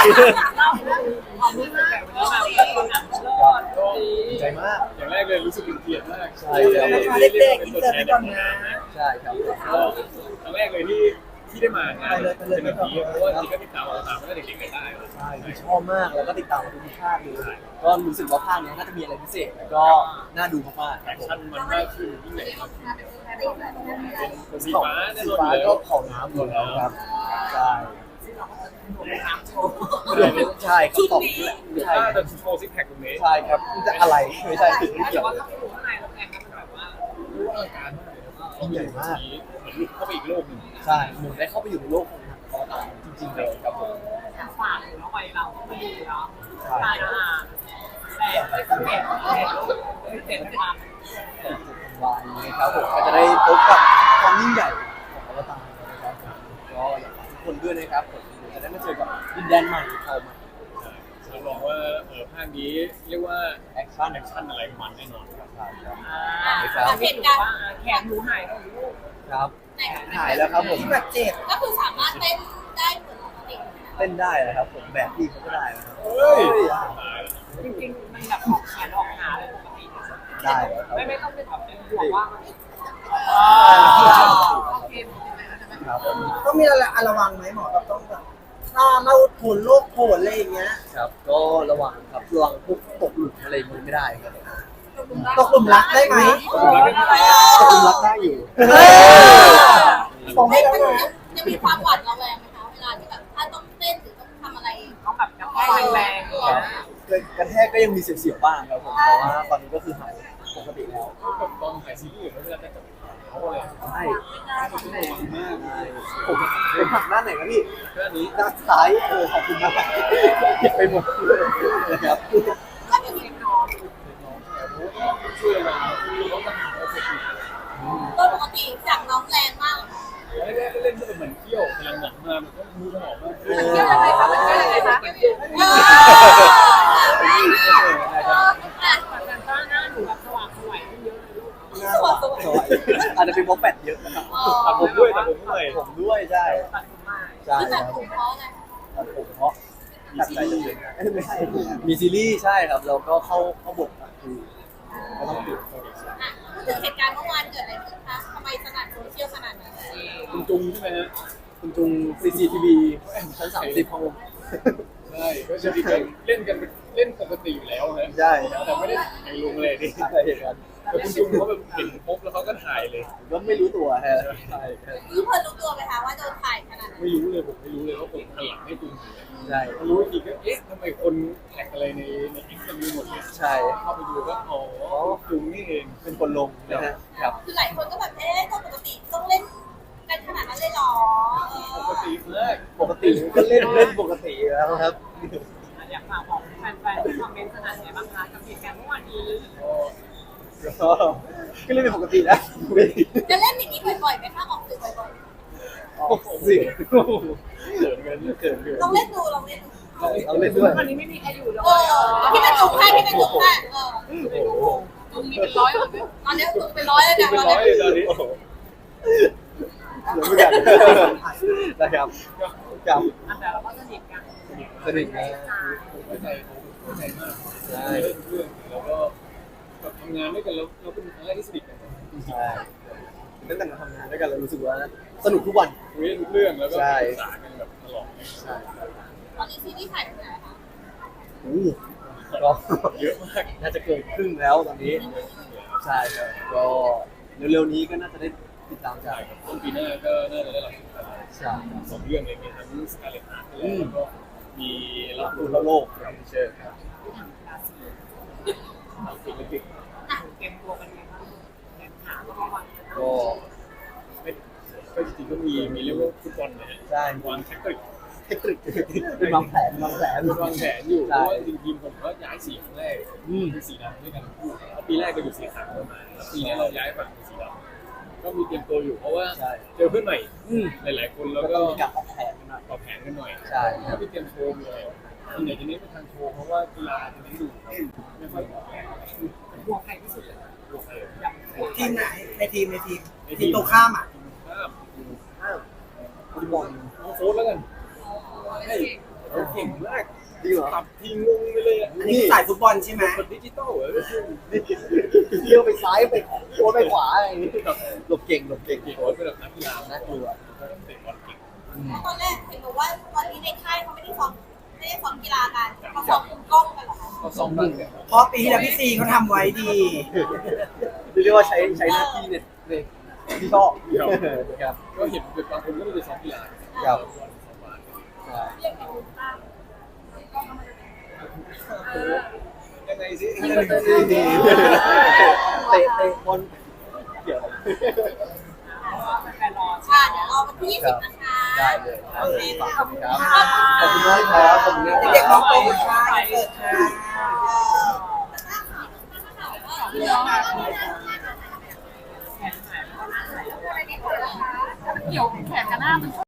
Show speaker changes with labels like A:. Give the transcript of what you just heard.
A: ความรู้สึกแบบนี้แบบ
B: ดีใจมาก
C: อย่างแรกเลยรู้สึกเป็นเกียรติมาก
B: ใช่ครับ
D: เด็กๆอินเตอร์ไปก่อนนะ
B: ใช่ครับ
C: ครั้งแรกเลยที่ได้มางานเป็นแบบนี้เพราะว่าจริงก็ติดตามมาตั้งแต่เด็กๆได้
B: ใช่ชอบมากแล้วก็ติดตามทุกภาคเลยก็รู้สึกว่าภาคนี้น่าจะมีอะไรพิเศษแล้วก็น่าดูมากๆ
C: แอคชั่นมันมากขึ้นยิ่งใหญ่มากขึ้นเป็นสีฟ้าแน่นอน
B: ฟ้า
C: อยู่แล้
B: ก็
C: ว
B: ของน้ำหมดแล้วครับใช่
C: ใช่
B: ใช่ครับผม
C: ใช่แต่โชว์ซิกแพคตรงนี้
B: ใช่ครับจะอะไรไม่ใช่ไม่
A: แต่
B: เกี่ยว
A: ว่าถ้าอยู่ข้างในแล้วแกมันแบบว่า
C: รู้อลังการมากเลยแล้วก็
B: ใหญ่มาก
C: เหมือนหลุดเข้าไปอีกโลกหนึ่ง
B: ใช่หนูได้เข้าไปอยู่ในโลกของอวตารจริงๆเลยครับผม
A: ฝากเลยเนาะไปเราไม่ดีเนาะใช่แต่ไม่สังเกตเจ็ดวัน
B: วันนี้ครับผมก็จะได้พบกับความยิ่งใหญ่ของอวตารนะครับก็อยากฝากทุกคนด้วยนะครับผมจะได้มาเจอกับดินแดนใหม่เข้ามา
C: รับรองว่าภาคนี้เรียกว่า
B: แอคชั่น
C: อะไรมันแน่นอนครับ
A: เหตุการณ์แขนหนูหายแล้วลูก
B: ครับหายแล้วครับผม
D: ที่บาดเจ็บ
E: ก็คือสามารถเต้นได้เหมือนปกติ
B: เต้นได้นะครับผมแบบพี่เขาก็ได้นะครับ
C: เฮ้ย
A: จริงๆมันแบบออกแขนออกขาเลยปกติ
B: ได้แล้วครับ
A: ไม่ต้องเป็นแบบเป็นห่วงว่ามันโอเค
B: ครับผม
D: ต้องมีอะไรระวังไหมหมอแบบต้องแบบถ้าเราผลโรคผลอะไรอย่างเงี้ย
B: ครับก็ระวังครับระวังพวกตกหลุมอะไรอย่างนี้ไม่ได้ครับ
D: ตกหลุมรักได้ไหม
B: ตกหลุมรักได้อยู่
D: ผมให้แล้วนะ
E: จะมีความหวาดระแวงไหมคะเวลาที่แบบถ้าต้องเต้นหรือต้องทำอะไร
A: ต้องแบบกระแทกแรง
B: ครับกระแทกก็ยังมีเสียวๆบ้างครับผมแต่ว่าตอนนี้ก็คือหายปกติแล้ว
C: แบบตอนถ่ายซีรีส์เวลาจะจับเขาอะไร
B: ใช่
C: ต้องระวังมาก
B: ผมหักด้านไหนครับพี่
C: แค่นี้
B: ด้านซ้ายขอบคุณมากเก็บไปหมดเลยนะครับ
E: ถ้ามี
C: ช่วยเราต้องทำโอเค
E: โดยปกติจากน้องแรงมาก
C: แล้วแรกก็เล่นก็เหมือนเที่ยวพลังหนักมามันก็มือสมองมาก
A: เที่ยวอะไรคะมันเที่ยวอะไรคะ แต่ก็หน้าหนูแบบสว่างสวยเยอะเลยลูก
E: สวยสวย
B: สวยอาจจะเป็นเพราะแฟตเยอะนะครับ
C: แต่ผมด้วยแต่ผมด้วย
B: ผมด้วยใช่
A: ตัดผมมา
B: ใช่
E: ที่
B: ค
E: แบ
B: รั
E: บบ ผมเพราะอะไร
B: ผมเพราะตัดใจจะเปลี่ยนไม่ใช่มีซีรีส์ใช่ครับแล้วก็เข้าบทคือก็ต้องดู
E: พูดถึงเหตุการณ์เมื่อวานเกิดอะไรขึ้นคะทำไมสนั่นโซเชียลขนาดนั้น
C: คุณจุงใช่ไหมฮะ
B: คุณจุง CCTV ชั้น30ของผม
C: ใช่ก็จริงๆเล่นกันเล่นปกติอยู่แล้วนะ
B: ใช่
C: แต่ไม่ได้ถ่ายลงเลยดิ
B: ใช่เห็นกัน
C: แต่คุณจุงเขาแบบเห็นปุ๊บแล้วเขาก็ถ่ายเลย
B: ก็ไม่รู้ตัวฮะใช่ครับ
E: รู้เพื่อนรู้ตัวไหมคะว่าโดนถ่ายขนาดนั้น
C: ไม่รู้เลยผมไม่รู้เลยว่าผมหันหลังให้จุงอยู่
B: ใช่
C: รู้อีกทีก็เอ๊ะทำไมคนแท็กอะไรในเอ็กซ์มีหมดเลย
B: ใช่
C: เข้าไปดูก็อ๋อจุงนี่เอง
B: เป็นคนลงนะฮะครับ
E: คือหลายคนก็แบบเอ๊ะปกติต้องเล่นกันขนาดนั้นเลยหรอ
C: ปกติมาก
B: ปกติก็เล่นปกติแล้วครับ
A: อยากฝากบอกแฟนๆที่คอมเมนต์สนั่นไงบ้างคะกับเหตุการณ์เมื่อวานนี้
B: ก็เล่นเป็นปกตินะ
E: จะเล่นอย่างนี้บ่อยๆไหมคะออกสื่อบ่อย
B: เสียงเขินเกิน
E: ๆลองเล่นดูลองเล่นดู
B: เราเล่นด้วย
A: วันนี้ไม่มีใครอยู่เล
E: เออพี่เป็นจุกแค่พี่เป็นจุกแค่เออ
B: โอ้โห
A: ตรงนี้เป็นร้อยเลย
E: ตอนนี้จุกเป็นร้อยแล้ว
C: จุ
E: นะ
C: งเป็น
E: ตอน
C: ร้อย
E: นี้
C: เลยตอนนี้
B: เหลือไม่กันนะครับกับ
A: แต่เราก็สนิทกัน
B: สนิทนะ
C: เข้าใจมาก
B: ใช่
C: เล่นเรื่องแล้วก็ทำงานด้วยกันแล้วเราเป็นครั้งแรกที่สนิทกัน
B: ใช่ตั้งแต่เราทำงานด้วยกันเรารู้สึกว่าสนุกทุกวัน
C: คุยทุกเรื่องแล้วก็ปรึกษากันแบบตลอด
B: ใช่
E: ตอนนี้ซีรีส์ถ่ายถึงไหนคะ
B: ก็
C: เยอะมาก
B: น่าจะเกินครึ่งแล้วตอนนี้ ใช่ครับก็เร็วๆนี้ก็น่าจะได้ติดตามกั
C: ใช่
B: น
C: ครับต้นปีหน้าก็น่าจะได้รับ
B: ใช่
C: สองเรื่องเลยมีทั้งสกาเลตฮาร์ทแล้วก็มี
B: รั
C: รั
B: บบ ดู
C: ดู
B: แล้วโลกครับเชิญครับ
C: ศิลปิน
A: เตรียมตัวกันไงบ้างแข่งขาก็ระวัง
B: ก็
C: ไม่ก็จริงๆก็มีเรียกว่าฟุตบอลนะฮะ
B: ใช่
C: วางแท็กติก
B: เทคนิคเป็นวางแผน
C: วางแผนอยู่เพราะว่าจริงๆผมก็ย้ายสีครั้งแรกเป็นสีดำด้วยกันทั้งคู่แล้วปีแรกก็อยู่สีขาวมาแล้วปีนี้เราย้ายฝั่งเป็นสีดำก็มีเตรียมตัวอยู่เพราะว่าเจอเพื่อนใหม่หลายๆคนแล้ว
B: ก็
C: ก็
B: มีการออกแผนหน่อย
C: ปรับแผนกันหน่อย
B: ใช่
C: ถ้าพี่เตรียมโชว์มีอะไรส่วนใหญ่จะเน้นไปทางโชว์เพราะว่ากีฬาจะเน้นดูไม่ค่อยออกแผน
A: ห่วงใครที่สุดเลย
C: ดูใคร
A: อยาก
D: ทีมไหนในทีมทีมตรงข้ามอ่ะ
C: ข้าม
B: ฟุตบอล
C: น้องโฟสแล้วกันใช่เก่งมาก
B: ริงเหรอ
C: ขับทีงงไปเลยอะ
D: อันนี้คือสายฟุตบอลใช่ไหม
C: คนดิจิตอลเหรอ
B: เที่ยวไปซ้ายไปโค้ไปขวาอะไรอย่างนี้
C: แบบ
B: หลบเก่งหลบเก่ง
C: เก่งโค้ชเป็นแบบนักกีฬา
B: น่ากลัว
C: เตะบอลเก่ง
E: ตอนแรกเห็นบอกว่าตอนนี้ในค่ายเขาไม่ได้ซ้อมกีฬากันเขาซ้อมมุมกล้องกันเหรอคะ
C: เขาซ้อมบ้างเนี่ย
D: เพราะปีที่แล้วพี่ซีเขาทำไว้ดี
B: เรียกว่าใช้หน้าที่เนี่ยที่ชอบครับ
C: ก็เห็นเป็นบางคนก็ไปซ้อมกีฬา
B: ครับ
C: ซ้อมบาส
B: ใช่
E: เรียกเป็นมุมกล้อง
C: ยังไงสิ
B: เตะบอลเกี่ยว
A: แฟนรอ
E: ค่ะเดี๋ยวรอวันที่20นะคะ
B: ได้เลยครับ
E: โอเคค่ะ
B: ขอบคุณครับขอบคุณมากครับขอบคุณมาก
D: เด็กๆน้องโตมาช้าเกิดค่ะ
E: เรื่องมา
A: เกี่ยวแขนกับหน้ามัน